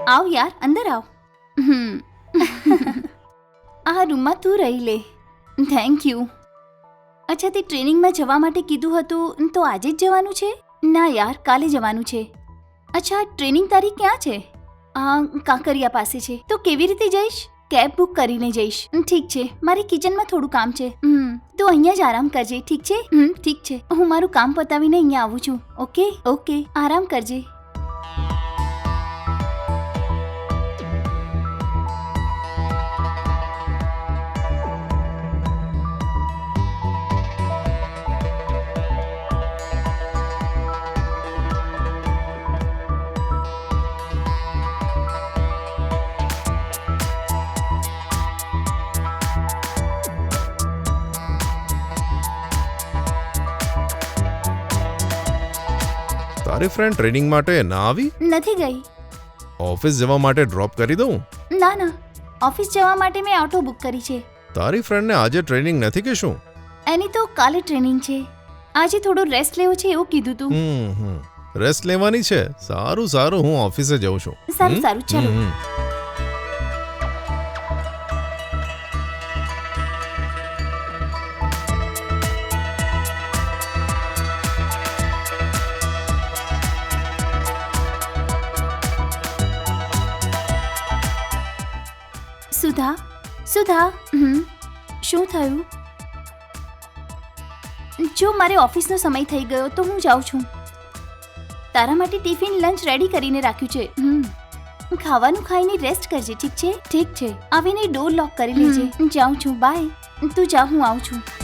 આવ યાર, અંદર આવ. આ રૂમમાં તું રહી લે. Thank you. અચ્છા, તે ટ્રેનિંગમાં જવા માટે કીધું હતું તો આજે જ જવાનું છે? ના યાર, કાલે જવાનું છે. અચ્છા, ટ્રેનિંગ તારી ક્યાં છે? કાંકરિયા પાસે છે. તો કેવી રીતે જઈશ? કેબ બુક કરીને જઈશ. ઠીક છે, મારે કિચનમાં થોડું કામ છે. તો અહીંયા જ આરામ કરજે, ઠીક છે? ઠીક છે, હું મારું કામ પતાવીને અહીંયા આવું છું. ઓકે ઓકે, આરામ કરજે. તારી ફ્રેન્ડ ટ્રેનિંગ માટે ના આવી? નથી ગઈ. ઓફિસ જવા માટે ડ્રોપ કરી દઉં? ના ના, ઓફિસ જવા માટે મેં ઓટો બુક કરી છે. તારી ફ્રેન્ડને આજે ટ્રેનિંગ નથી કે શું? એની તો કાલે ટ્રેનિંગ છે. આજે થોડો રેસ્ટ લેવો છે એવું કીધું તું. રેસ્ટ લેવાની છે? સારું સારું, હું ઓફિસે જઉં છું. સારું સારું, ચલો. સુધા, સુધા, શું થયું? જો મારે ઓફિસનો સમય થઈ ગયો તો હું જાઉં છું. તારા માટે ટિફિન લંચ રેડી કરીને રાખ્યું છે. ખાવાનું ખાઈને રેસ્ટ કરજે, ઠીક છે? ઠીક છે, આવીને ડોર લોક કરી લેજે. જાઉં છું, બાય. તું જા, હું આવું છું.